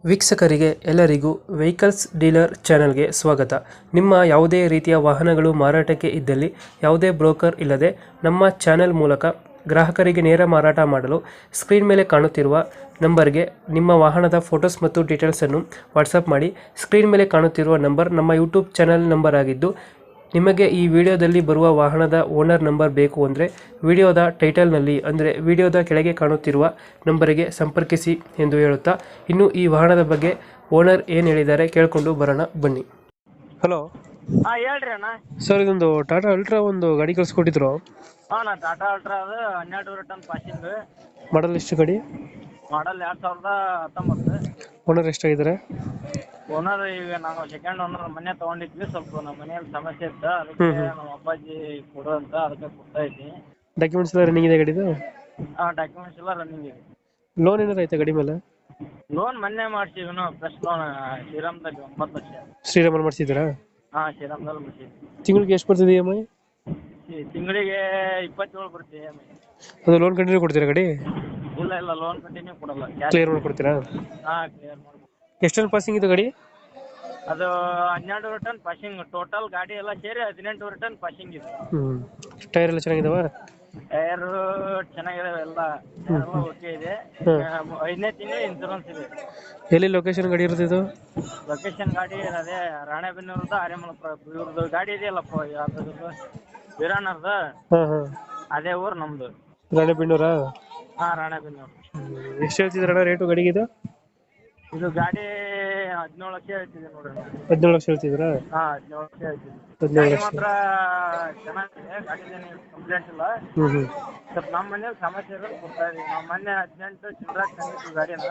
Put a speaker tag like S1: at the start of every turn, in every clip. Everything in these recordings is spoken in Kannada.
S1: ವೀಕ್ಷಕರಿಗೆ ಎಲ್ಲರಿಗೂ ವೆಹಿಕಲ್ಸ್ ಡೀಲರ್ ಚಾನೆಲ್ಗೆ ಸ್ವಾಗತ. ನಿಮ್ಮ ಯಾವುದೇ ರೀತಿಯ ವಾಹನಗಳು ಮಾರಾಟಕ್ಕೆ ಇದ್ದಲ್ಲಿ ಯಾವುದೇ ಬ್ರೋಕರ್ ಇಲ್ಲದೆ ನಮ್ಮ ಚಾನೆಲ್ ಮೂಲಕ ಗ್ರಾಹಕರಿಗೆ ನೇರ ಮಾರಾಟ ಮಾಡಲು ಸ್ಕ್ರೀನ್ ಮೇಲೆ ಕಾಣುತ್ತಿರುವ ನಂಬರ್ಗೆ ನಿಮ್ಮ ವಾಹನದ ಫೋಟೋಸ್ ಮತ್ತು ಡೀಟೇಲ್ಸನ್ನು ವಾಟ್ಸಪ್ ಮಾಡಿ. ಸ್ಕ್ರೀನ್ ಮೇಲೆ ಕಾಣುತ್ತಿರುವ ನಂಬರ್ ನಮ್ಮ ಯೂಟ್ಯೂಬ್ ಚಾನೆಲ್ ನಂಬರ್ ಆಗಿದ್ದು, ನಿಮಗೆ ಈ ವಿಡಿಯೋದಲ್ಲಿ ಬರುವ ವಾಹನದ ಓನರ್ ನಂಬರ್ ಬೇಕು ಅಂದರೆ ವಿಡಿಯೋದ ಟೈಟಲ್ನಲ್ಲಿ ಅಂದರೆ ವಿಡಿಯೋದ ಕೆಳಗೆ ಕಾಣುತ್ತಿರುವ ನಂಬರಿಗೆ ಸಂಪರ್ಕಿಸಿ ಎಂದು ಹೇಳುತ್ತಾ, ಇನ್ನು ಈ ವಾಹನದ ಬಗ್ಗೆ ಓನರ್ ಏನು ಹೇಳಿದ್ದಾರೆ ಕೇಳಿಕೊಂಡು ಬರೋಣ ಬನ್ನಿ. ಹಲೋ
S2: ಹೇಳ್ರಿ ಅಣ್ಣ.
S1: ಸರ್, ಇದೊಂದು ಟಾಟಾ ಅಲ್ಟ್ರಾ ಒಂದು ಗಾಡಿ ಕಳಿಸ್ಕೊಟ್ಟಿದ್ರು.
S2: ನಾ ಟಾಟಾ ಅಲ್ಟ್ರಾ ಅದು 12 ಟನ್ ಪಾಸಿಂಗ್
S1: ಮಾಡಲ್ ಎಷ್ಟು ಗಾಡಿ?
S2: ಮಾಡಲ್ 2019.
S1: ಓನರ್ ಎಷ್ಟಾಗಿದ್ದಾರೆ?
S2: ಓನರ್ ಈಗ ನಾವು ಸೆಕೆಂಡ್ ಓನರ್ ಮನೆ ತಗೊಂಡಿದ್ವಿ. ಸ್ವಲ್ಪ ನಮ್ಮ ಮನೆಯಲ್ಲಿ ಸಮಸ್ಯೆ ಇತ್ತು, ಅದಕ್ಕೆ ನಮ್ಮ ಅಪ್ಪಾಜಿ ಕೊಡು ಅಂತ ಅದಕ್ಕೆ ಕೊಡ್ತಾ ಇದ್ವಿ.
S1: ಡಾಕ್ಯುಮೆಂಟ್ಸ್ ಎಲ್ಲ ರನ್ನಿಂಗ್ ಇದೆ ಗಾಡಿದು?
S2: ಡಾಕ್ಯುಮೆಂಟ್ಸ್ ಎಲ್ಲ ರನ್ನಿಂಗ್ ಇದೆ.
S1: ಲೋನ್ ಏನಾರು ಐತೆ ಗಾಡಿ ಮೇಲೆ?
S2: ಲೋನ್ ಮೊನ್ನೆ ಮಾಡ್ಸಿವಿ, ಫ್ರೆಶ್ ಲೋನ್ ಶ್ರೀರಾಮ್ದಲ್ಲಿ 9 ಲಕ್ಷ.
S1: ಶ್ರೀರಾಮನ್ ಮಾಡಿಸಿದ್ದೀರಾ?
S2: ಶ್ರೀರಾಮ್ದಲ್ಲಿ ಮಾಡ್ಸಿದ್ವಿ.
S1: ತಿಂಗಳಿಗೆ ಎಷ್ಟು ಬರ್ತಿದೆ ಇ ಎಮ್ ಐ?
S2: ತಿಂಗಳಿಗೆ 27 ಬರುತ್ತೆ EMI.
S1: ಅದು ಲೋನ್ ಕಂಟಿನ್ಯೂ ಕೊಡ್ತೀರಾ ಗಾಡಿ?
S2: ಇಲ್ಲ ಲೋನ್ ಕಂಟಿನ್ಯೂ ಕೊಡಲ್ಲ,
S1: ಕ್ಲಿಯರ್ ಮಾಡ್ಕೊಡ್ತೀರಾ?
S2: ಕ್ಲಿಯರ್ ಮಾಡ್ಬೋದು.
S1: ಎಷ್ಟು ಟನ್ ಪಾಸಿಂಗ್ ಇದು ಗಾಡಿ?
S2: ಅದು 12 ಟನ್ ಪಾಸಿಂಗ್. ಟೋಟಲ್ ಗಾಡಿ ಎಲ್ಲ ಸೇರಿ 18 ಟನ್ ಪಾಸಿಂಗ್ ಇದೆ.
S1: ಟೈರ್ ಎಲ್ಲ ಚೆನ್ನಾಗಿದಾವ?
S2: ಟೈರ್ ಚೆನ್ನಾಗಿದಾವೆ, ಎಲ್ಲ ಓಕೆ ಇದೆ. 5ನೇ ತಿಂಗಳು ಇನ್ಸೂರೆನ್ಸ್ ಇದೆ.
S1: ಎಲ್ಲಿ ಲೊಕೇಶನ್ ಗಾಡಿ ಇರುತ್ತೆ ಇದು?
S2: ಲೊಕೇಶನ್ ಗಾಡಿ ಅದೇ ರಾಣೆಬೆನ್ನೂರದ ಆರ್ಯಮಲಪುರ. ಇವ್ರದ್ದು ಗಾಡಿ ಇದೆಯಲ್ಲಪ್ಪ, ಯಾವ್ದು ವೀರಣ್ಣರ್ದು, ಅದೇ ಊರು ನಮ್ದು.
S1: ರಾಣೆಬೆನ್ನೂರಾ?
S2: ರಾಣೆಬೆನ್ನೂರು.
S1: ಎಷ್ಟು ಹೇಳ್ತಿದ್ರಣ್ಣ ರೇಟು ಗಾಡಿಗೆ ಇದು?
S2: ಇದು ಗಾಡಿ 17 ಲಕ್ಷ ಹೇಳ್ತಿದೆ ನೋಡ್ರಿ.
S1: 17 ಲಕ್ಷ ಹೇಳ್ತಿದ್ರಾ?
S2: 17 ಲಕ್ಷ ಹೇಳ್ತಿದ್ವಿ.
S1: 17
S2: ಗಾಡಿ
S1: ಲಕ್ಷ
S2: ಮಾತ್ರ ಚೆನ್ನಾಗಿದೆ, ಗಾಡಿದೇನು ಕಂಪ್ಲೇಂಟ್ ಇಲ್ಲ. ಸ್ವಲ್ಪ ನಮ್ಮ ಮನೇಲಿ ಸಮಸ್ಯೆ ಇರೋದು ಕೊಡ್ತಾ ಇದೀವಿ. ನಾವು ಮೊನ್ನೆ 18 ಚಿಲ್ಡ್ರನ್ ತಂದಿದ್ವಿ ಗಾಡಿನ,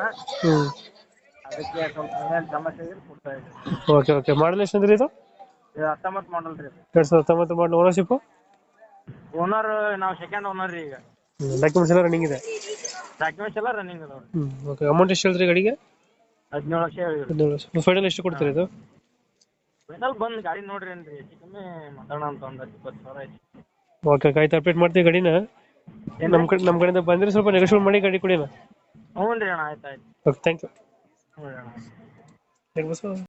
S2: ಅದಕ್ಕೆ ಸ್ವಲ್ಪ ಮನೇಲಿ ಸಮಸ್ಯೆ ಇರೋದು ಕೊಡ್ತಾ ಇದೀವಿ.
S1: ಓಕೆ. ಮಾಡಲ್ ಎಷ್ಟು ಅಂದ್ರೆ ಇದು?
S2: 19 ಮಾಡಲ್ ರೀ.
S1: 2019 ಮಾಡಲ್. ಓನರ್ಶಿಪ್?
S2: ಓನರ್ ನಾವು ಸೆಕೆಂಡ್ ಓನರ್ ರೀ. ಈಗ
S1: ಡಾಕ್ಯುಮೆಂಟ್ಸ್ ಎಲ್ಲ ರನ್ನಿಂಗ್ ಇದೆ?
S2: ಡಾಕ್ಯುಮೆಂಟ್ಸ್ ಎಲ್ಲ ರನ್ನಿಂಗ್ ಅದಾವ.
S1: ಓಕೆ. ಅಮೌಂಟ್ ಎಷ್ಟು ಹೇಳ್ತೀರಿ ಗಾಡಿಗೆ?
S2: 17 ಲಕ್ಷ ಹೇಳಿದ್ರಿ.
S1: 17 ಲಕ್ಷ. ಫೈನಲ್ ಎಷ್ಟು ಕೊಡ್ತೀರಿ ಇದು?
S2: ಫೈನಲ್ ಬಂದು ಗಾಡಿ ನೋಡ್ರಿ ಏನ್ರಿ, ಹೆಚ್ಚು ಕಮ್ಮಿ ಮಾತಾಡೋಣ ಅಂತ. ಒಂದು 20,000 ಐತಿ.
S1: ಓಕೆ, ಆಯ್ತು. ಅಪ್ಡೇಟ್ ಮಾಡ್ತೀವಿ ಗಾಡಿನ. ನಮ್ಮ ಕಡೆಯಿಂದ ಬಂದರೆ ಸ್ವಲ್ಪ ನೆಗೋಷಿಯೇಟ್ ಮಾಡಿ ಗಾಡಿ ಕೊಡಿ.
S2: ಹ್ಞೂ ರೀ ಅಣ್ಣ, ಆಯ್ತು.
S1: Okay, thank you.
S2: ಹ್ಞೂ ಅಣ್ಣ.
S1: Thank you.